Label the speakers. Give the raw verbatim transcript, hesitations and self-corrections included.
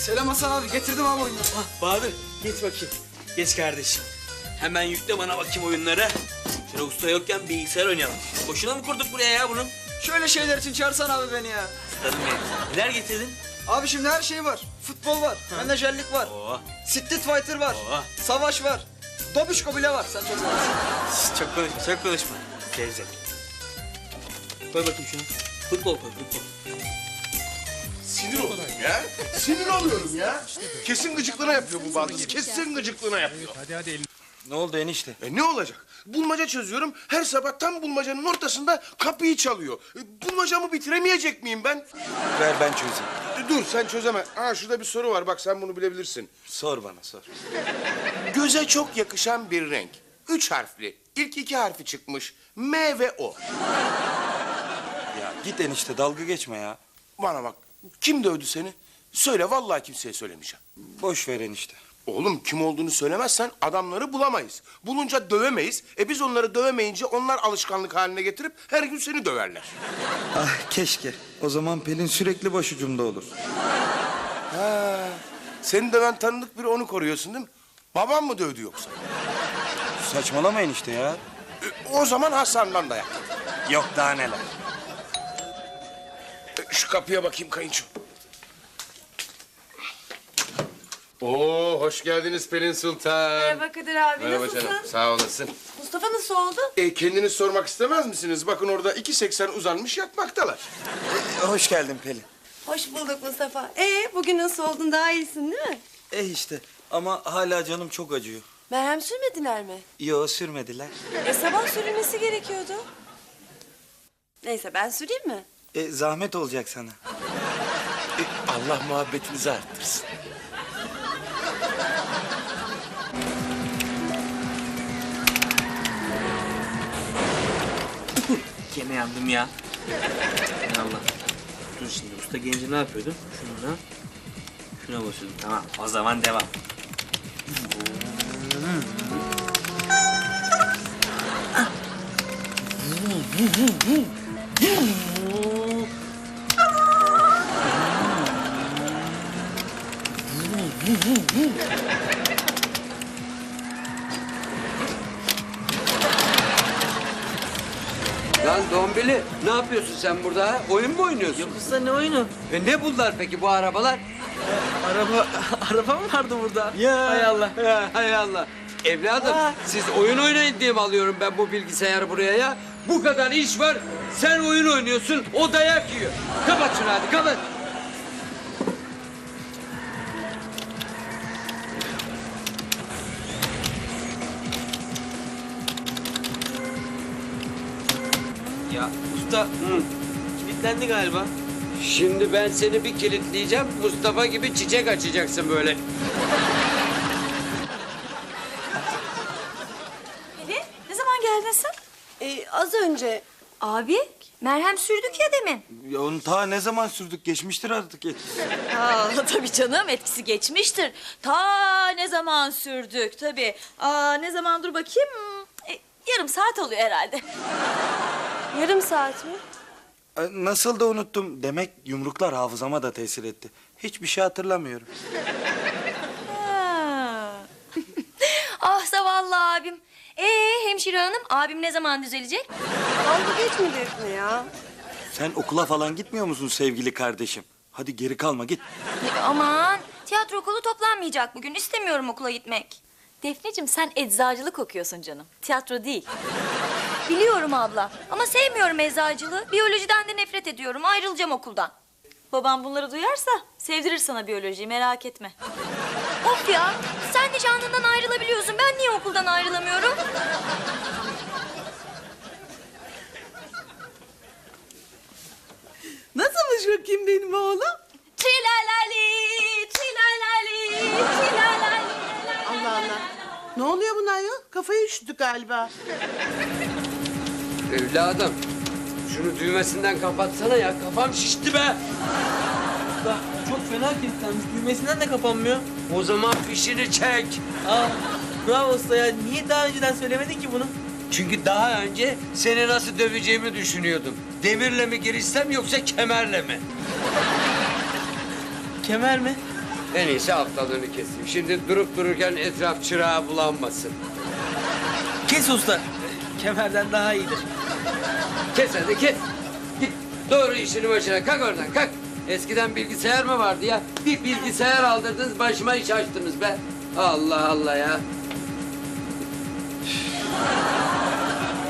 Speaker 1: Selam Hasan abi, getirdim abi oyunları.
Speaker 2: Ah Bahadır, geç bakayım. Geç kardeşim. Hemen yükle bana bakayım oyunları. Şöyle usta yokken bilgisayar oynayalım. Boşuna mı kurduk buraya ya bunu?
Speaker 1: Şöyle şeyler için çağırsana abi beni ya.
Speaker 2: Ustadım benim. Neler getirdin?
Speaker 1: Abi şimdi her şey var. Futbol var, menajerlik var.
Speaker 2: Oo.
Speaker 1: Street Fighter var,
Speaker 2: Oo.
Speaker 1: savaş var. Dobişko bile var, sen çok seversin.
Speaker 2: Şş, çok konuşma, çok konuşma. Gerizek. Koy bakayım şunu. Futbol koy, futbol.
Speaker 3: Sinir oluyorum ya. Sinir oluyorum ya. Kesin gıcıklığına yapıyor bu Baldız. Kesin gıcıklığına yapıyor.
Speaker 4: Ne oldu enişte?
Speaker 3: E ne olacak? Bulmaca çözüyorum. Her sabah tam bulmacanın ortasında kapıyı çalıyor. E, bulmacamı bitiremeyecek miyim ben?
Speaker 4: Ver ben çözeyim.
Speaker 3: E, dur sen çözeme. Aa şurada bir soru var. Bak sen bunu bilebilirsin.
Speaker 4: Sor bana sor.
Speaker 3: Göze çok yakışan bir renk. Üç harfli. İlk iki harfi çıkmış. M ve O.
Speaker 4: Ya git enişte dalga geçme ya.
Speaker 3: Bana bak. Kim dövdü seni? Söyle vallahi kimseye söylemeyeceğim.
Speaker 4: Boş ver enişte.
Speaker 3: Oğlum kim olduğunu söylemezsen adamları bulamayız. Bulunca dövemeyiz. E biz onları dövemeyince onlar alışkanlık haline getirip her gün seni döverler.
Speaker 4: Ah keşke. O zaman Pelin sürekli başucumda olur.
Speaker 3: Ha, seni döven tanıdık biri onu koruyorsun değil mi? Babam mı dövdü yoksa?
Speaker 4: Saçmalama enişte ya.
Speaker 3: E, o zaman Hasan'dan dayak.
Speaker 4: Yok daha neler.
Speaker 3: E, şu kapıya bakayım kayınço. Oo, hoş geldiniz Pelin Sultan.
Speaker 5: Merhaba Kadir abi,
Speaker 3: Merhaba
Speaker 5: nasılsın?
Speaker 3: canım, sağ olasın.
Speaker 5: Mustafa nasıl oldu?
Speaker 3: E, kendiniz sormak istemez misiniz? Bakın orada iki seksen uzanmış yatmaktalar.
Speaker 4: Hoş geldin Pelin.
Speaker 5: Hoş bulduk Mustafa. Ee, bugün nasıl oldun? Daha iyisin değil mi?
Speaker 4: Eh işte ama hala canım çok acıyor.
Speaker 5: Merhem sürmediler mi?
Speaker 4: Yo sürmediler.
Speaker 5: E sabah sürülmesi gerekiyordu. Neyse ben süreyim mi?
Speaker 4: E, zahmet olacak sana.
Speaker 3: E, Allah muhabbetinizi arttırsın.
Speaker 2: Gene yandım ya. Hay Allah. Dur şimdi usta gelince ne yapıyordum? Şuna, şuna basıyordum. Tamam o zaman devam.
Speaker 6: Lan Dombili, ne yapıyorsun sen burada ha? Oyun mu oynuyorsun?
Speaker 2: Yok usta ne oyunu?
Speaker 6: E ne bunlar peki bu arabalar?
Speaker 2: Araba, araba mı vardı burada?
Speaker 6: Ya.
Speaker 2: Hay Allah.
Speaker 6: Ya, hay Allah. Evladım,
Speaker 2: Ha.
Speaker 6: siz oyun oynayın diye mi alıyorum ben bu bilgisayarı buraya ya? Bu kadar iş var, sen oyun oynuyorsun, o dayak yiyor. Kapat şunu hadi, kapat.
Speaker 2: Ya usta kilitlendi galiba.
Speaker 6: Şimdi ben seni bir kilitleyeceğim, Mustafa gibi çiçek açacaksın böyle.
Speaker 5: Pelin, ne zaman geldin sen? Ee, az önce.
Speaker 7: Abi, merhem sürdük ya demin.
Speaker 4: Ya onu ta ne zaman sürdük geçmiştir artık etkisi.
Speaker 7: Aa, tabii canım, etkisi geçmiştir. Ta ne zaman sürdük tabii. Aa, ne zaman dur bakayım. E, yarım saat oluyor herhalde.
Speaker 5: Yarım saat mi?
Speaker 4: E, Nasıl da unuttum. Demek yumruklar hafızama da tesir etti. Hiçbir şey hatırlamıyorum.
Speaker 7: Ha. Ah zavallı abim. Ee hemşire hanım, abim ne zaman düzelecek?
Speaker 5: Dalga geçme Defne ya.
Speaker 4: Sen okula falan gitmiyor musun sevgili kardeşim? Hadi geri kalma git.
Speaker 7: E, aman, tiyatro okulu toplanmayacak bugün. İstemiyorum okula gitmek. Defneciğim sen eczacılık okuyorsun canım. Tiyatro değil. Biliyorum abla ama sevmiyorum eczacılığı. Biyolojiden de nefret ediyorum. Ayrılacağım okuldan. Babam bunları duyarsa sevdirir sana biyolojiyi, merak etme. Of ya, sen de canından ayrılabiliyorsun. Ben niye okuldan ayrılamıyorum?
Speaker 8: Nasılmış bakayım benim oğlum?
Speaker 7: Trilalali, trilalali, trilalali.
Speaker 8: Allah Allah. Ne oluyor buna ya? Kafayı üşüttü galiba.
Speaker 6: Evladım, şunu düğmesinden kapatsana ya, kafam şişti be.
Speaker 2: Usta çok fena kilitlenmiş. Düğmesinden de kapanmıyor.
Speaker 6: O zaman fişini çek.
Speaker 2: Aa, bravo usta ya. Niye daha önceden söylemedin ki bunu?
Speaker 6: Çünkü daha önce seni nasıl döveceğimi düşünüyordum. Demirle mi girişsem yoksa kemerle mi?
Speaker 2: Kemer mi?
Speaker 6: En iyisi haftalığını keseyim. Şimdi durup dururken etraf çırağı bulanmasın.
Speaker 2: Kes usta. Kemerden daha iyidir.
Speaker 6: Kes hadi kes. Git doğru işini başına. Kalk oradan kalk. Eskiden bilgisayar mı vardı ya? Bir bilgisayar aldırdınız başıma iş açtınız be. Allah Allah ya.